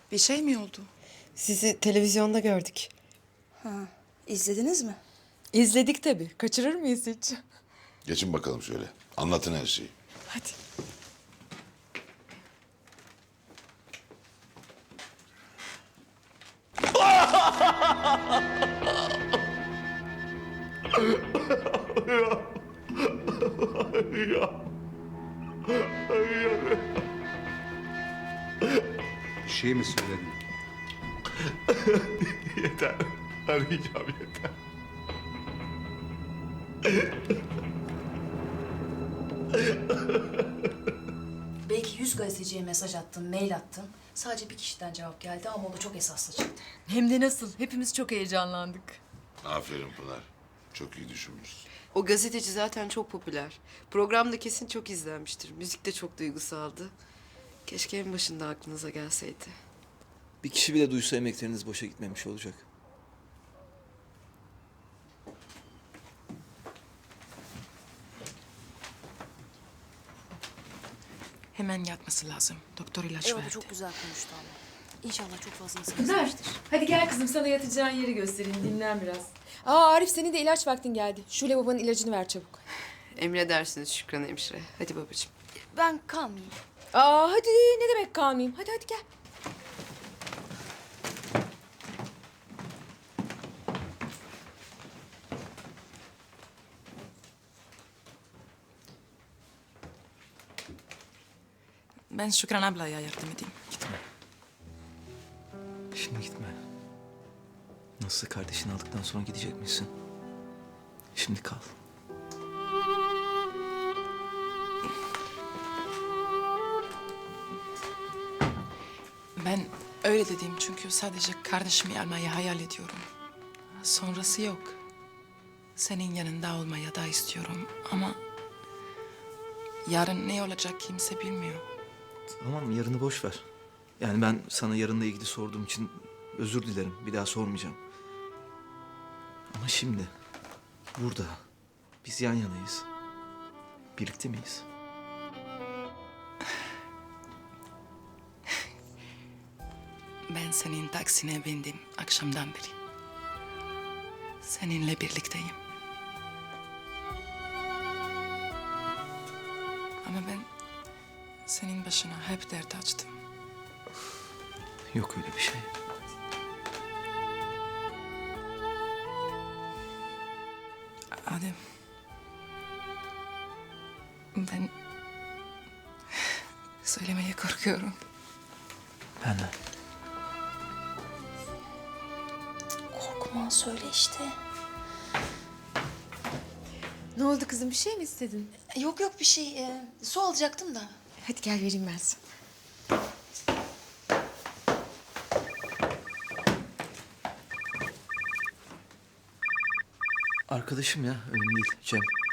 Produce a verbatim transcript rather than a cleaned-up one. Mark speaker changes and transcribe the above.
Speaker 1: Bir şey mi oldu?
Speaker 2: Sizi televizyonda gördük.
Speaker 3: Ha, izlediniz mi?
Speaker 2: İzledik tabii. Kaçırır mıyız hiç?
Speaker 4: Geçin bakalım şöyle. Anlatın her şeyi.
Speaker 2: Hadi.
Speaker 5: Bir şey mi söyledin?
Speaker 6: Yeter. Arayacağım yeter.
Speaker 3: Belki yüz gazeteciye mesaj attın, mail attın. Sadece bir kişiden cevap geldi ama o da çok esaslı çıktı.
Speaker 2: Hem de nasıl? Hepimiz çok heyecanlandık.
Speaker 4: Aferin Pınar. Çok iyi düşünmüşsün.
Speaker 7: O gazeteci zaten çok popüler. Program da kesin çok izlenmiştir. Müzik de çok duygusaldı. Keşke en başında aklınıza gelseydi.
Speaker 8: Bir kişi bile duysa emekleriniz boşa gitmemiş olacak.
Speaker 1: Hemen yatması lazım. Doktor ilaç
Speaker 3: Evet, o
Speaker 1: verdi.
Speaker 3: çok güzel konuştu ama. İnşallah çok fazlasını
Speaker 2: Pınar,
Speaker 3: kesmiştir.
Speaker 2: hadi gel kızım sana yatacağın yeri göstereyim. Dinlen biraz. Aa Arif senin de ilaç vaktin geldi. Şule babanın ilacını ver çabuk.
Speaker 7: Emredersiniz Şükran hemşire. Hadi babacığım.
Speaker 3: Ben kalmayayım.
Speaker 2: Aa hadi ne demek kalmayayım. Hadi hadi gel.
Speaker 1: Ben Şükran ablaya yardım edeyim.
Speaker 8: Şimdi gitme. Nasılsa kardeşini aldıktan sonra gidecek misin? Şimdi kal.
Speaker 1: Ben öyle dedim çünkü sadece kardeşimi almayı hayal ediyorum. Sonrası yok. Senin yanında olmaya da istiyorum ama... yarın ne olacak kimse bilmiyor.
Speaker 8: Tamam yarını boş ver. Yani ben sana yarınla ilgili sorduğum için özür dilerim. Bir daha sormayacağım. Ama şimdi burada biz yan yanayız. Birlikte miyiz?
Speaker 1: Ben senin taksine bindim akşamdan beri. Seninle birlikteyim. Ama ben senin başına hep dert açtım.
Speaker 8: Yok öyle bir şey.
Speaker 1: Adem. Ben söylemeye korkuyorum.
Speaker 8: Ben de.
Speaker 3: Korkma, söyle işte.
Speaker 2: Ne oldu kızım bir şey mi istedin?
Speaker 3: Yok yok bir şey. Ee, su alacaktım da.
Speaker 2: Hadi gel vereyim ben sana.
Speaker 8: Arkadaşım ya önemli değil Cem.